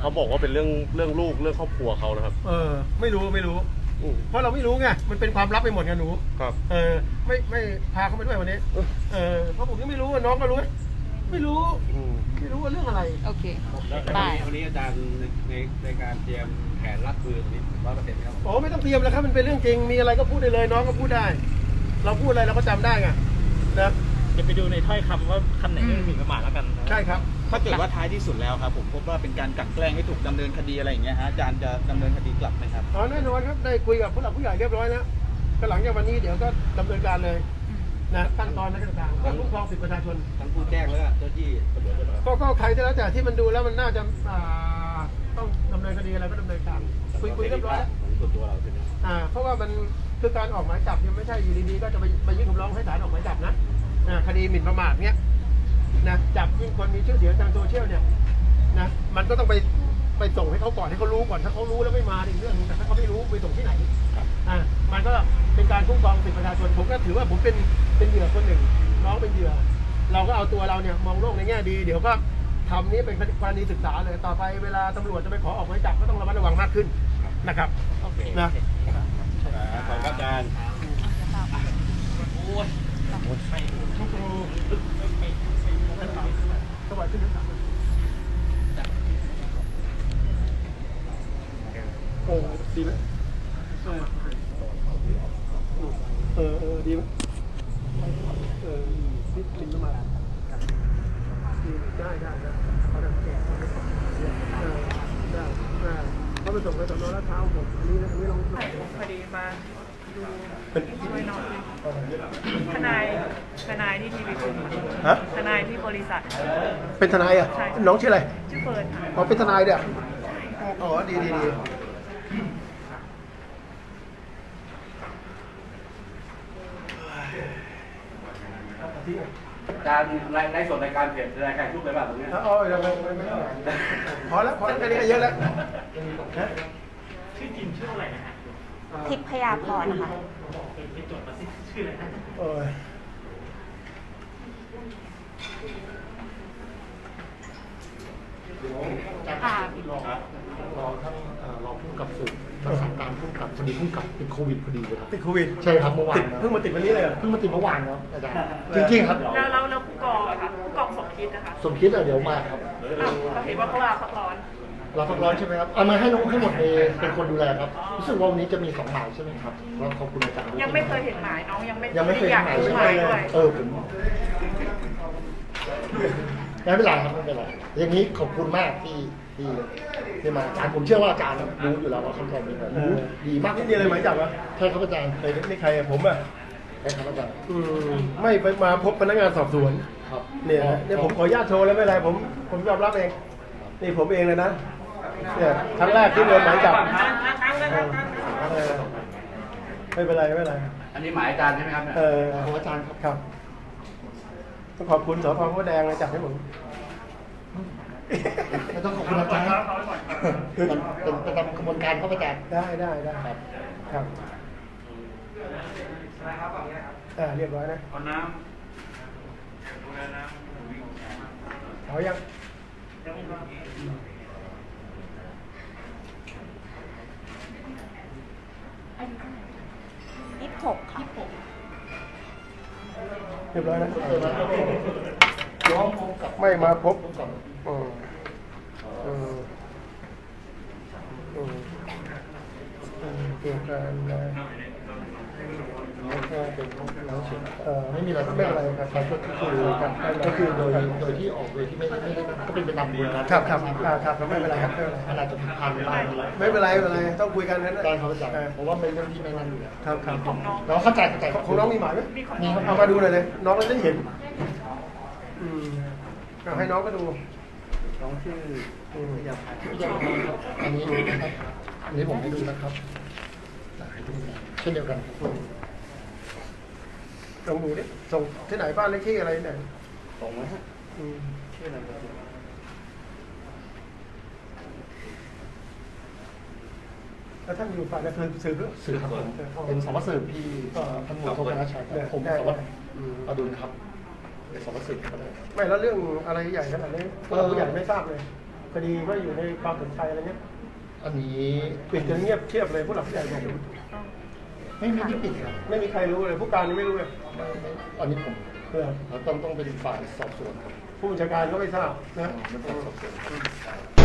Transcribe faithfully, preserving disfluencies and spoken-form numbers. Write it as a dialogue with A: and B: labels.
A: เขาบอกว่าเป็นเรื่องเรื่องลูกเรื่องครอบครัวเขานะครับ
B: เออไม่รู้ไม่รู้เพราะเราไม่รู้ไงมันเป็นความลับไปหมดไงหนู
A: ครับ
B: เออไม่ไม่พาเขาไปด้วยวันนี้เออเพราะผมยังไม่รู้ว่าน้องก็รู้ไม่รู้ไม่รู้ว่าเรื่องอะไร
C: โอเค
D: ได้วันนี้อาจารย์ในในการเตรียมแผนรับมือตรงนี้ร้อยเปอร์เซ็นต์ครับ
B: โอ้ไม่ต้องเตรียมแล้วครับมันเป็นเรื่องจริงมีอะไรก็พูดได้เลยน้องก็พูดได้เราพูดอะไรเราก็จำได้ไงนะ
E: จะไปดูในถ้อยคำว่าคำไหนที่หมิ่นประมาทแล้วกัน
B: ใช่ครับ
F: ถ้าเกิดว่าท้ายที่สุดแล้วครับผมพบว่าเป็นการกลั่นแกล้งให้ถูกดำเนินคดีอะไรอย่างเงี้ยฮะอาจารย์จะดำเนินคดีกลับไหมครับ
B: อ๋อแน่นอนครับได้คุยกับผู้หลักผู้ใหญ่เรียบร้อยแล้วก็หลังจากวันนี้เดี๋ยวก็ดำเนินการเลยนะขั้นตอนและต่างๆก็คุ้มครองสิทธิประชาชน
D: ทั้งผู้แจ้งและเจ้าที่ตำรวจ
B: ก็ก็ใครก็แล้วแต่ที่มันดูแล้วมันน่าจะต้องดำเนินคดีอะไรก็ดำเนินการคุยคุยเรียบร้อยแล้ว
D: ส่วนตัวเราใช่ไหม
B: อ่าเพราะว่ามันคือการออกหมายจับยังไม่ใช่อยู่ดีๆก็จะไปไปยื่นคำร้องให้ศาลออกหมายจับนะคดีหมิ่นประมาทเนี้ยนะจับยิ่งคนมีชื่อเสียงทางโซเชียลเนี่ยนะมันก็ต้องไปไปส่งให้เขาก่อนให้เขารู้ก่อนถ้าเขารู้แล้วไม่มาอีกเรื่องนึงแต่ถ้าเขาไม่รู้ไปส่งที่ไหนอ่ามันก็เป็นการคุ้มครองสิทธิประชาชนผมก็ถือว่าผมเป็นเป็นเหยื่อคนหนึ่งน้องเป็นเหยื่อเราก็เอาตัวเราเนี่ยมองโลกในแง่ดีเดี๋ยวก็ทำนี้เป็นกรณีศึกษาเลยต่อไปเวลาตำรวจจะไปขอออกหมายจับก็ต้องระมัดระวังมากขึ้นนะครับนะ
D: ขอบอาจารย์
B: สวัสดีครับโอ้ดีไหมเออเออดีไหมเออนี่กินน้ำมันได้ได้ได้เขาได้แก่ได้ได้ได้เขาไปส่งไปสอนอลาดพร้าวผมอันนี้นะอันนี้ลอง
C: พอดีมาดูช่วยน้องทนายทนายที่ทีวีคุณทนายที่บริษัท
B: เป็นทนายอ่ะน้องชื่ออะไร
C: ชื่อเฟิร์น
B: อ๋อเป็นทนายเด้ออ๋อดีดีดี
D: การในส่วนในการเพจรายการทุกเลยแบบนี้
B: อ๋อยังไม่ไม่พอแล้วพอแล้วแค่นี้ก็เยอะแล้ว
E: ชื่อจริงชื่ออะไรนะฮะ
C: ทิพยาพรนะคะ
E: ไปจดมาสิชื่ออะไรนะ
B: โอ้ย
C: ค่ะ
G: รอรอท่านรอผู้กำกับสืบรักษาการผู้กำกับพอดีผู้กำกับติดโควิดพอดีเลยครับ
B: ติดโควิด
G: ใช่ครับเมื่อวาน
B: เพิ่งมาติดวันนี้เลย
G: เพิ่งมาติดเมื่อวานครับอาจารย์จริงๆครับ
C: แล้วแล้วแล้วผู้กองอะค่ะผู้กองสมคิดนะคะ
G: สมคิดเดี๋ยวมาครับ
C: เราเห็นว่าเขาลาพักร้อน
G: เราพักร้อนใช่ไหมครับเอามาให้น้องให้หมดเลยเป็นคนดูแลครับรู้สึกว่าวันนี้จะมีสองหมายใช่ไหมครับเราขอบคุณอาจารย์
C: ยังไม่เคยเห็นหมายน้องยังไม่
G: ยังไม่เคยเห็นหมายใช่ไหมเออผมไม่เป็นไรครับไม่เป็นไรอย่างนี้ขอบคุณมากที่ที่ที่มาอาจารย์ผมเชื่อว่าอาจารย์รู้อยู่แล้วว่าขั้นตอนเป็นแบบรู้ดีมาก
B: นี่อะไรหมายจับวะ
G: ใช่ครับอาจารย์
B: นี่ใครผมอ่ะ
G: ใช่ครับอาจารย์
B: ไม่ไปมาพบพนักงานสอบสวน
G: ครับ
B: เนี่ยเนี่ยผมขออนุญาตโชว์แล้วไม่เป็นไรผมผมยอมรับเองนี่ผมเองเลยนะเนี่ยครั้งแรกที่โดนหมายจับไม่เป็นไรไม่เป็นไร
D: อันนี้หมายอาจารย์ใช่ไหมครับ
B: เออ
G: ของอาจารย์
B: ครับต้องขอบคุณสพพระแดงเลยจับให้ผม
G: ไม่ต้องขอบคุณอาจารย์เป็นเป็นตามกระบวนการเข้าไปแจก
B: ได้ได้ได้ครับครับอ่าเรียบร้อยนะ
E: เอาน้ำ
B: เอายัง
C: ยี่สิบหกค่ะ
B: เรียบร้อยนะ
G: ย้อมพบกับ
B: ไม่มาพบอืมอืมอืมเกี่ยวกับเออไม่มีอะไรไม่อะไรครับก็คือก็คือโดยโดยที่ออกโดยที่ไม่ไม่ได้ก็เป็นไปตามกระบวนการครับครับครับไม่เป็นไรครับ
G: มันอาจจะผิดพลาดไป
B: ไม่เป็นไรไม่เป็นไรต้องคุยกันนะ
G: ได้ครับอาจารย์เพราะว่าเป็นเรื่องที่ไม่นั่นอยู่แล้ว
B: ครับครับ
G: น้องเข้าใจเข้าใจ
B: ของน้องมีหมายไหมมีครับเอามาดูหน่อยเลยน้องจะได้เห็นอืมเอาให้น้องก็ดู
G: น้องชื่ออยากอยากครับอันนี้อันนี้ผมให้ดูนะครับเช่นเดียวกัน
B: ลองดูดิส่งที่ไหนบ้านเลขที่อะไรไหน
G: ส่งไหมฮะ
B: อืมชื่ออะไรแล้วท่านอยู่ฝ่ายนักสืบ
G: สืบครับผมเป็นสารวัตรสืบที่ท่านหมู่โทษนาชัยผมสารวัตรอดุลครับเป็นสารวัตรสืบ
B: ไม่แล้วเรื่องอะไรใหญ่ขนาดนี้ผู้ใหญ่ไม่ทราบเลยคดีก็อยู่ในความสนใจอะไรเงี้ย
G: อันนี้
B: ปิดกันเงียบเทียบเลยผู้หลักผู้ใหญ่บอก
G: ไม่ไม่ได้ปิดครับ
B: ไม่มีใครรู้เลยผู้การยังไม่รู้เลย
G: ไม่ไม่อันนี้ผม
B: เพื่อ
G: ต้องต้องเป็นฝ่ายสอบสวนครับ
B: ผู้บัญชาการก็ไม่ทราบนะ
G: เป็นฝ่ายสอบสวนครับ